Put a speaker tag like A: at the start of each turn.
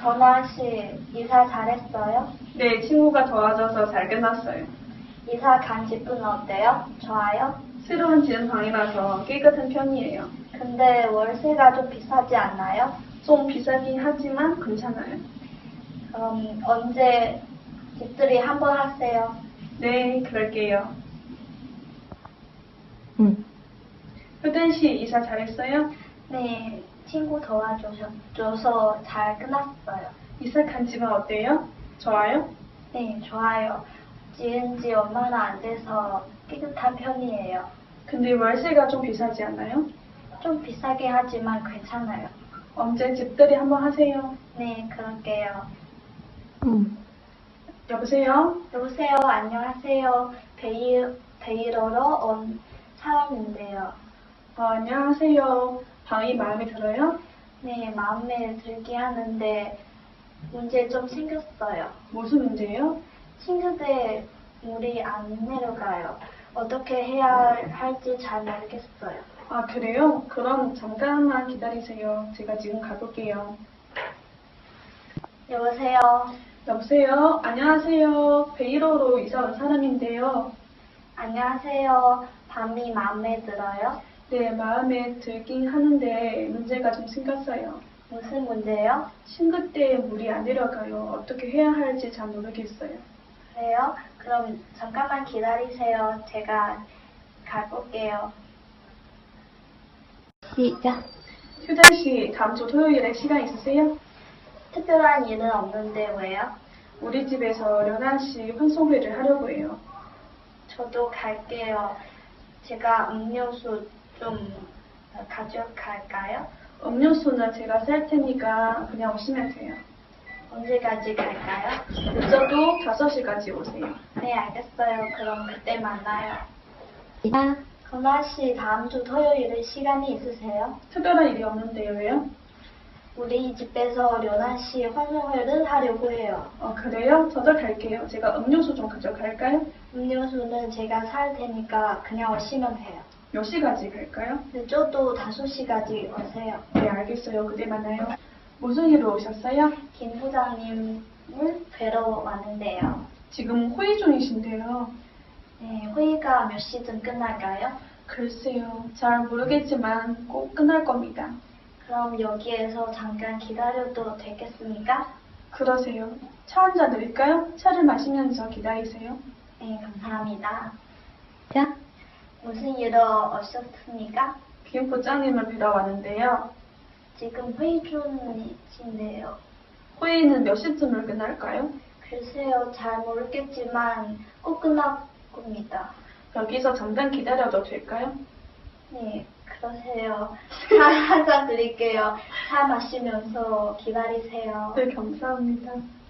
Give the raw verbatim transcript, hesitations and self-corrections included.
A: 건아 씨, 이사 잘했어요?
B: 네, 친구가 도와줘서 잘 끝났어요.
A: 이사 간 집은 어때요? 좋아요?
B: 새로운 지은 방이라서 깨끗한 편이에요.
A: 근데 월세가 좀 비싸지 않나요?
B: 좀 비싸긴 하지만 괜찮아요.
A: 그럼 언제 집들이 한번 하세요?
B: 네, 그럴게요.
C: 응.
B: 효든 씨 이사 잘했어요?
A: 네, 친구 도와줘서 잘 끝났어요.
B: 이사 간 집은 어때요? 좋아요?
A: 네, 좋아요. 지은 지 얼마나 안 돼서 깨끗한 편이에요.
B: 근데 월세가 좀 비싸지 않나요?
A: 좀 비싸게 하지만 괜찮아요.
B: 언제 집들이 한번 하세요.
A: 네, 그럴게요.
C: 응.
B: 여보세요?
A: 여보세요, 안녕하세요. 베이, 베이러로 온 사람인데요.
B: 어, 안녕하세요. 방이 마음에 들어요?
A: 네, 마음에 들게 하는데 문제 좀 생겼어요.
B: 무슨 문제예요?
A: 싱크대에 물이 안 내려가요. 어떻게 해야 할지 잘 모르겠어요.
B: 아, 그래요? 그럼 잠깐만 기다리세요. 제가 지금 가볼게요.
A: 여보세요.
B: 여보세요? 안녕하세요. 베이로로 이사 온 사람인데요.
A: 안녕하세요. 밤이 마음에 들어요?
B: 네, 마음에 들긴 하는데 문제가 좀 생겼어요.
A: 무슨 문제요?
B: 싱크대에 물이 안 내려가요. 어떻게 해야 할지 잘 모르겠어요.
A: 그래요? 그럼 잠깐만 기다리세요. 제가 가볼게요.
C: 시작.
B: 효정 씨, 다음 주 토요일에 시간 있으세요?
A: 특별한 일은 없는데 왜요?
B: 우리 집에서 련아 씨 환송회를 하려고 해요.
A: 저도 갈게요. 제가 음료수 좀 가져갈까요?
B: 음료수는 제가 살 테니까 그냥 오시면 돼요.
A: 언제까지 갈까요?
B: 늦어도 다섯 시까지 오세요.
A: 네, 알겠어요. 그럼 그때 만나요.
C: 시작.
A: 건아 씨, 다음 주 토요일에 시간이 있으세요?
B: 특별한 일이 없는데요, 왜요?
A: 우리 집에서 련아 씨 환송회를 하려고 해요.
B: 어, 그래요? 저도 갈게요. 제가 음료수 좀 가져갈까요?
A: 음료수는 제가 살 테니까 그냥 오시면 돼요.
B: 몇 시까지 갈까요?
A: 늦어도 다섯 시까지 오세요.
B: 네, 알겠어요. 그때 만나요. 무슨 일로 오셨어요?
A: 김 부장님을 뵈러 왔는데요.
B: 지금 회의 중이신데요.
A: 네, 회의가 몇 시쯤 끝날까요?
B: 글쎄요. 잘 모르겠지만 꼭 끝날 겁니다.
A: 그럼 여기에서 잠깐 기다려도 되겠습니까?
B: 그러세요. 차 한 잔 드릴까요? 차를 마시면서 기다리세요.
A: 네, 감사합니다.
C: 시작.
A: 무슨 일로 오셨습니까?
B: 김 부장님을 뵈러 왔는데요.
A: 지금 회의 중이신데요.
B: 회의는 몇 시쯤을 끝날까요?
A: 글쎄요, 잘 모르겠지만 꼭 끝날 겁니다.
B: 여기서 잠깐 기다려도 될까요?
A: 네, 그러세요. 차 한 잔 드릴게요. 차 마시면서 기다리세요.
B: 네, 감사합니다.